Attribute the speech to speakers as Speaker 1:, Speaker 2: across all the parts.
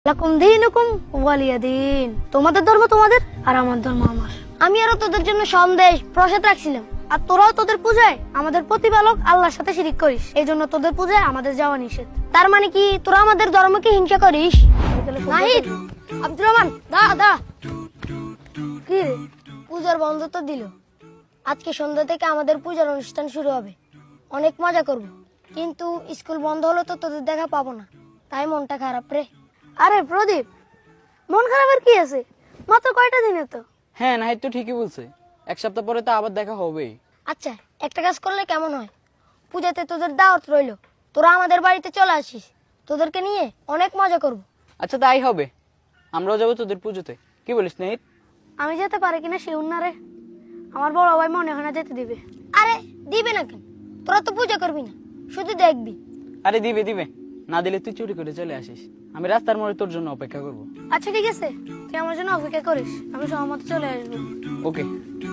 Speaker 1: লাকুম দীনুকুম ওয়ালিয়া দিন। তোমাদের ধর্ম তোমাদের আর আমার ধর্ম আমার। আমি আরো তোদের জন্য সন্দেশ প্রসাদ রাখছিলাম, আর তোরাও তোদের পূজায় আমাদের প্রতিপালক আল্লাহর সাথে শিরিক করিস। এই জন্য তোদের পূজায় আমাদের যাওয়া নিষেধ। তার মানে কি তোরা আমাদের ধর্মকে হিংসা করিস? নাহিদ, আব্দুর রহমান, দা দা কি রে, পূজার বন্ধ তো দিল। আজকে সন্ধ্যা থেকে আমাদের পূজার অনুষ্ঠান শুরু হবে। অনেক মজা করব, কিন্তু স্কুল বন্ধ হলো তো তোদের দেখা পাবো না, তাই মনটা খারাপ রে। আরে প্রদীপ, মন খারাপের কি আছে? মাত্র কয়টা দিনে তো।
Speaker 2: হ্যাঁ, নাহিদ তো ঠিকই বলছে, এক সপ্তাহ পরে তো আবার দেখা হবেই।
Speaker 1: আচ্ছা, একটা কাজ করলে কেমন হয়? পূজাতে তোদের দাওয়াত রইলো, তোরা আমাদের বাড়িতে চলে আসিস। তোদেরকে নিয়ে অনেক মজা করব।
Speaker 2: আচ্ছা, তাই হবে, আমরাও যাবো তোদের পুজোতে। কি বলিস নাহিদ?
Speaker 1: আমি যেতে পারি কিনা শিউর না রে। আমার বড় ভাই মনে হয় না যেতে দিবে। আরে দিবে না কেন? তোরা তো পূজা করবি না, শুধু দেখবি।
Speaker 2: আরে দিবে দিবে, না দিলে তুই চুরি করে চলে আসিস। আমি রাস্তার মোড়ে তোর জন্য অপেক্ষা করব।
Speaker 1: আচ্ছা ঠিক আছে, তুই আমার জন্য অপেক্ষা করিস, আমি সহমত চলে আসবো।
Speaker 2: ওকে।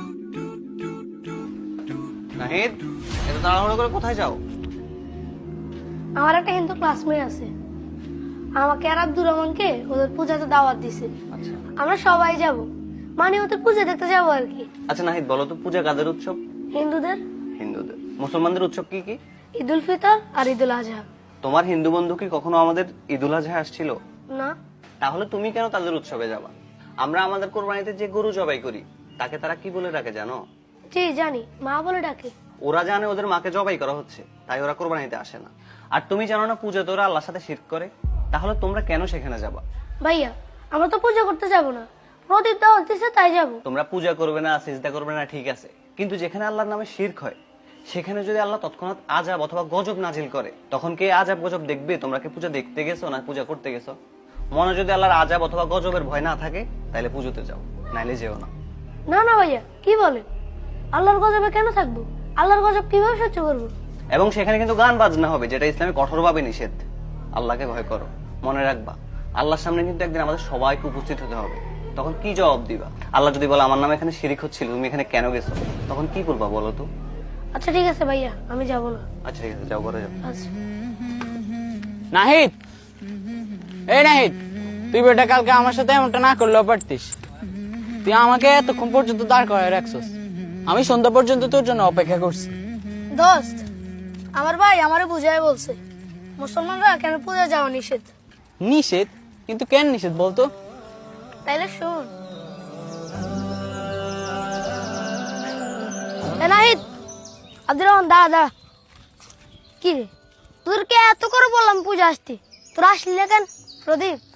Speaker 3: নাহিদ, এত তাড়াহুড়ো করে কোথায় যাও?
Speaker 1: আমার একটা হিন্দু ক্লাসমেট আছে, আমাকে আর আব্দুর রহমানকে ওদের পূজাতে দাওয়াত দিছে।
Speaker 3: আচ্ছা
Speaker 1: আমরা সবাই যাব, মানে ওদের পূজা দেখতে যাবো আর কি।
Speaker 3: আচ্ছা নাহিদ, বলো তো পূজা কাদের উৎসব?
Speaker 1: হিন্দুদের
Speaker 3: হিন্দুদের। মুসলমানদের উৎসব কি কি?
Speaker 1: ঈদুল ফিতর আর ঈদুল আজহা।
Speaker 3: তোমার হিন্দু বন্ধু কি কখনো আমাদের ঈদুল আজহা আসছিল?
Speaker 1: না।
Speaker 3: তাহলে তুমি কেন তাদের উৎসবে যাবা? আমরা আমাদের কোরবানিতে যে গরু জবাই করি তাকে তারা কি বলে ডাকে জানো?
Speaker 1: জি জানি, মা বলে ডাকে।
Speaker 3: ওরা জানে ওদের মাকে জবাই করা হচ্ছে, তাই ওরা কোরবানিতে আসে না। আর তুমি জানো না পূজাতে ওরা আল্লাহর সাথে শিরক করে? তাহলে তোমরা কেন সেখানে যাবা?
Speaker 1: ভাইয়া, আমরা তো পূজা করতে যাব না, প্রদীপ দাওয়াত দিছে তাই যাব।
Speaker 3: তোমরা পূজা করবে না, সিজদা করবে না, ঠিক আছে, কিন্তু যেখানে আল্লাহর নামে শিরক হয় সেখানে যদি আল্লাহ তৎক্ষণাৎ আযাব অথবা গজব নাজিল করে, তখন কে আযাব গজব দেখবে? তোমরা কি পূজা দেখতে গেছো না পূজা করতে গেছো? মনে যদি আল্লাহর আযাব অথবা গজবের ভয় না থাকে তাহলে পুজোতে যাও, নাইলে যেও না।
Speaker 1: না না ভাইয়া, কি বলে? আল্লাহর গজবে কেন থাকবো? আল্লাহর গজব কিভাবে সহ্য করবো?
Speaker 3: এবং সেখানে কিন্তু গান বাজনা হবে, যেটা ইসলামে কঠোরভাবে নিষেধ। আল্লাহকে ভয় করো, মনে রাখবা আল্লাহর সামনে কিন্তু একদিন আমাদের সবাইকে উপস্থিত হতে হবে। তখন কি জবাব দিবা? আল্লাহ যদি বলে আমার নামে এখানে শিরিক হচ্ছিল, তুমি এখানে কেন গেছো, তখন কি করবা বলো তো?
Speaker 1: আচ্ছা ঠিক আছে ভাইয়া, আমি যাব না।
Speaker 3: আচ্ছা ঠিক আছে, যাও, করে যাও।
Speaker 1: আচ্ছা।
Speaker 2: নাহিদ, এই নাহিদ, তুই বেটা কালকে আমার সাথে এমনটা না করলেও পারতিস। তুই আমাকে এতক্ষণ পর্যন্ত দাঁড় করায় রাখছস, আমি সন্ধ্যা পর্যন্ত তোর জন্য অপেক্ষা করছি।
Speaker 1: দোস্ত, আমার ভাই আমারে বুঝায় বলছে মুসলমানরা কেন পূজা যাওয়া নিষেধ।
Speaker 2: নিষেধ? কিন্তু কেন নিষেধ বলতো?
Speaker 1: তাইলে শুন। নাহিদ, আব্দুর রহমান, দা কি রে, তোদেরকে এত করে বললাম পূজা আসতে, তোরা আসলি না কেন? প্রদীপ,